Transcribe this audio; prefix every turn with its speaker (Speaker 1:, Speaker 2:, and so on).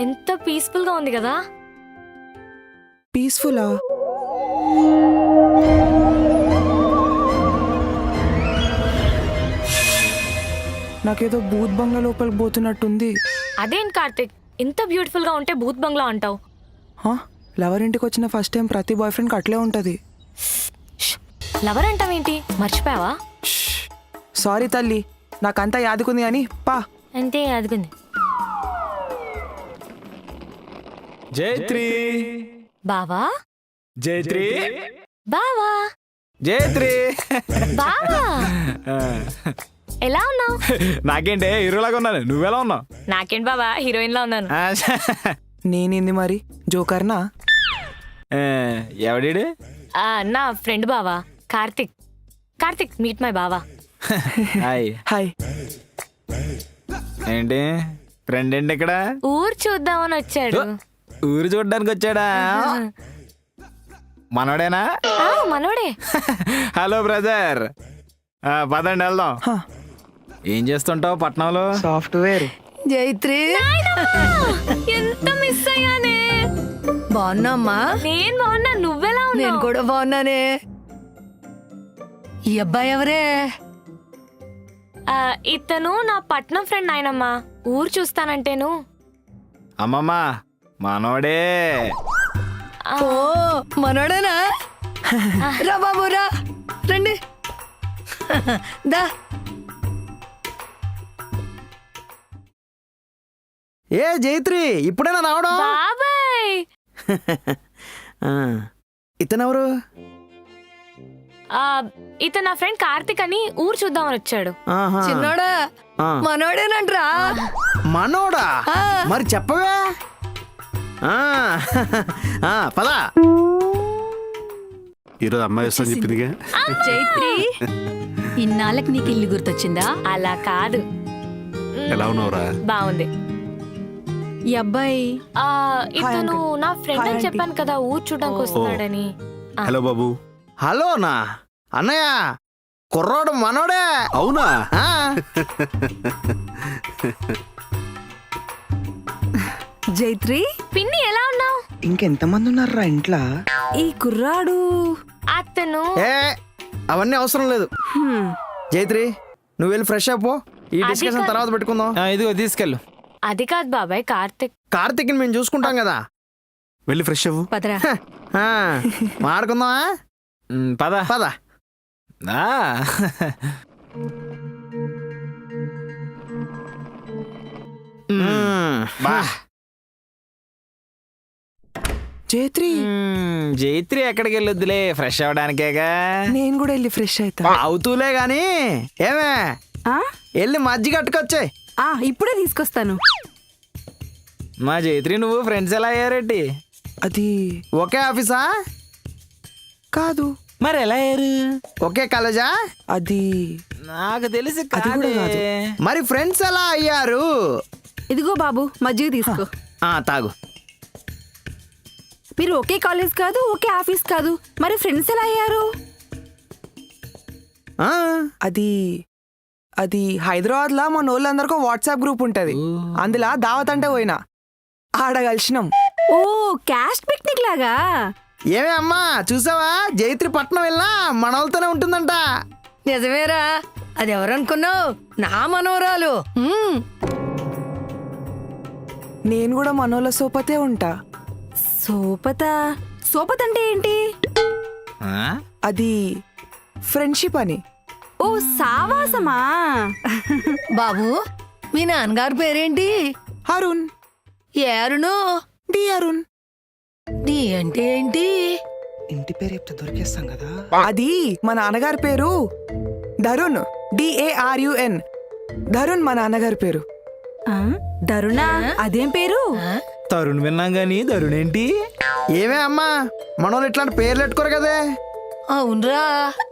Speaker 1: ఎంత పీస్ఫుల్ గా ఉంది కదా.
Speaker 2: పీస్ఫుల్లా? నాకేదో భూత్ బంగ్లా లోపలికి పోతున్నట్టుంది.
Speaker 1: అదేం కార్తిక్, ఇంత బ్యూటిఫుల్ గా ఉంటే భూత్ బంగ్లా అంటావు?
Speaker 2: లవర్ ఇంటికి వచ్చిన ఫస్ట్ టైం ప్రతి బాయ్ ఫ్రెండ్కి అట్లే ఉంటుంది.
Speaker 1: లవర్ అంటావేంటి, మర్చిపోయావా?
Speaker 2: సారీ తల్లి, నాకంతా యాదుకుంది అని పా.
Speaker 1: అంతే అదిగుంది.
Speaker 3: జైత్రి
Speaker 1: బావా,
Speaker 3: జైత్రి
Speaker 1: బావా,
Speaker 3: జైత్రి
Speaker 1: బావా, ఎలా ఉన్నావు?
Speaker 3: నాకేంటే హీరోలాగా ఉన్నాను, నువ్వెలా ఉన్నావు?
Speaker 1: నాకేంటి బావా, హీరోయిన్ లా ఉన్నాను.
Speaker 2: నేనేంది మరి జోకర్నా?
Speaker 3: ఎవడీడు?
Speaker 1: నా ఫ్రెండ్ బావా, కార్తిక్. కార్తిక్, మీట్ మై బావా.
Speaker 3: హాయ్.
Speaker 2: హాయ్.
Speaker 3: ఏంటి ఫ్రెండ్ ఏంటి ఇక్కడ?
Speaker 1: ఊరు చూద్దామని వచ్చాడు.
Speaker 3: ఊరు చూడడానికి వచ్చాడా? మనోడేనా?
Speaker 1: మనోడే.
Speaker 3: హలో బ్రదర్, పదండి వెళ్దాం. ఏం చేస్తుంటావు పట్నంలో?
Speaker 2: సాఫ్ట్వేర్.
Speaker 4: జైత్రి,
Speaker 1: ఎంత మిస్ అయ్యానే.
Speaker 4: బాగున్నామ్మా?
Speaker 1: నేను బాగున్నా, నువ్వెలా
Speaker 4: నేను
Speaker 1: ఉన్నావు?
Speaker 4: కూడా బాగున్నానే. ఈ అబ్బాయి ఎవరే?
Speaker 1: ఇతను నా పట్నం ఫ్రెండ్ ఆయనమ్మా. ఊరు చూస్తానంటేను.
Speaker 3: అమ్మమ్మ మనోడే.
Speaker 4: ఓ మనోడేనా? రా బాబు రా, రండి. దా.
Speaker 5: ఏ జైత్రి, ఇప్పుడేనా రావడం?
Speaker 1: బాబాయ్,
Speaker 5: ఇతనెవరు?
Speaker 1: ఇతను నా ఫ్రెండ్ కార్తిక్ అని ఊరు చూద్దామని వచ్చాడు.
Speaker 4: చిన్నోడా, మనోడేనంట్రా.
Speaker 5: మనోడా?
Speaker 4: ఆ.
Speaker 5: మరి చెప్పవే. పదా.
Speaker 6: ఈరోజు అమ్మాయి వస్తాను చెప్పిందిగా.
Speaker 7: జైత్రి, ఇన్నాళ్ళకి నీకు ఇల్లు గుర్తొచ్చిందా?
Speaker 1: అలా కాదు.
Speaker 6: ఎలా ఉన్నావురా?
Speaker 1: బాగుంది.
Speaker 7: ఈ అబ్బాయి
Speaker 1: ఇతను నా ఫ్రెండ్ అని
Speaker 2: aunty.
Speaker 1: చెప్పాను కదా, ఊరు చూడడానికి వస్తున్నాడని.
Speaker 6: హలో బాబు.
Speaker 5: హలోనా అన్నయ్య, కుర్రోడు మనోడే.
Speaker 6: అవునా?
Speaker 5: ఆ.
Speaker 7: జైత్రి,
Speaker 1: పిన్ని ఎలా ఉన్నావు?
Speaker 2: ఇంకెంతమంది ఉన్నారా ఇంట్లో?
Speaker 7: ఈ కుర్రాడు
Speaker 1: అతను
Speaker 5: ఏ అవన్నీ అవసరం లేదు. జైత్రి, నువ్వు వెళ్ళి ఫ్రెష్ అయిపో. ఈ
Speaker 1: అది
Speaker 5: డిస్కషన్
Speaker 1: కాదు.
Speaker 5: తర్వాత పెట్టుకుందాం.
Speaker 3: ఇదిగో తీసుకెళ్ళు.
Speaker 1: అది కాదు బాబాయ్, కార్తిక్.
Speaker 5: కార్తీక్ని మేము చూసుకుంటాం కదా.
Speaker 6: వెళ్ళి ఫ్రెష్ అవ్వు.
Speaker 7: పదరా.
Speaker 5: మాడుకుందామా?
Speaker 3: పద
Speaker 5: పద.
Speaker 3: ఆ. బా.
Speaker 2: జైత్రి,
Speaker 3: జైత్రి ఎక్కడికి వెళ్ళొద్దులే, ఫ్రెష్ అవడానికేగా.
Speaker 2: నేను కూడా వెళ్ళి ఫ్రెష్ అవుతా.
Speaker 5: అవుతూలే గాని ఏమే,
Speaker 7: ఆ?
Speaker 5: వెళ్ళి మజ్జిగ కట్టుకొచ్చే.
Speaker 7: ఇప్పుడే తీసుకొస్తాను.
Speaker 3: మా జైత్రి నువ్వు ఫ్రెండ్స్ ఎలా అయ్యారేటి?
Speaker 2: అది
Speaker 5: ఒకే ఆఫీసా?
Speaker 2: కాదు.
Speaker 3: మరి ఎలా అయ్యారు?
Speaker 5: ఒకే కాలేజా?
Speaker 2: అది
Speaker 3: నాకు తెలిసి
Speaker 2: అది కూడా కాదు.
Speaker 5: మరి ఫ్రెండ్స్ ఎలా అయ్యారు?
Speaker 7: ఇదిగో బాబు, మజ్జిగ తీసుకో.
Speaker 5: తాగు.
Speaker 7: మీరు ఒకే కాలేజ్ కాదు, ఒకే ఆఫీస్ కాదు, మరి ఫ్రెండ్స్ ఎలా అయ్యారు?
Speaker 5: ఆ,
Speaker 2: అది అది హైదరాబాద్ లా మన వాళ్ళందరికీ వాట్సాప్ గ్రూప్ ఉంటది. అందులో దావత్ అంటే పోయినా ఆడ కలిసినాం.
Speaker 7: ఓ, క్యాస్ట్ పిక్నిక్ లాగా.
Speaker 5: ఏమే అమ్మా, చూసావా? జైత్రి పట్నం వెళ్ళా మన వాళ్ళతోనే ఉంటుందంట.
Speaker 4: నిజమేరా, అది ఎవరనుకున్నావు? నా మనోరాలు.
Speaker 2: నేను కూడా మనోళ్ళ సోపతే ఉంటా.
Speaker 7: సోపత? సోపత అంటే ఏంటి?
Speaker 2: అది ఫ్రెండ్షిప్ అని.
Speaker 7: ఓ, సావాసమా?
Speaker 4: బాబు, మీ నాన్నగారు పేరేంటి?
Speaker 2: అరుణ్.
Speaker 4: ఏ అరుణు?
Speaker 2: డి అరుణ్.
Speaker 4: నీ అంటే ఏంటి?
Speaker 2: ఇంటి పేరు చెప్తే దొరికేస్తాం కదా. అది మా నాన్నగారి పేరు ధరుణ్. DARUN. ధరుణ్ మా నాన్నగారి పేరు.
Speaker 7: దరుణా? అదేం పేరు?
Speaker 3: తరుణ్ విన్నాం గాని ధరుణ్ ఏంటి?
Speaker 5: ఏమే అమ్మా, మన వాళ్ళు ఇట్లాంటి పేర్లు పెట్టుకోరు కదే.
Speaker 4: అవునరా.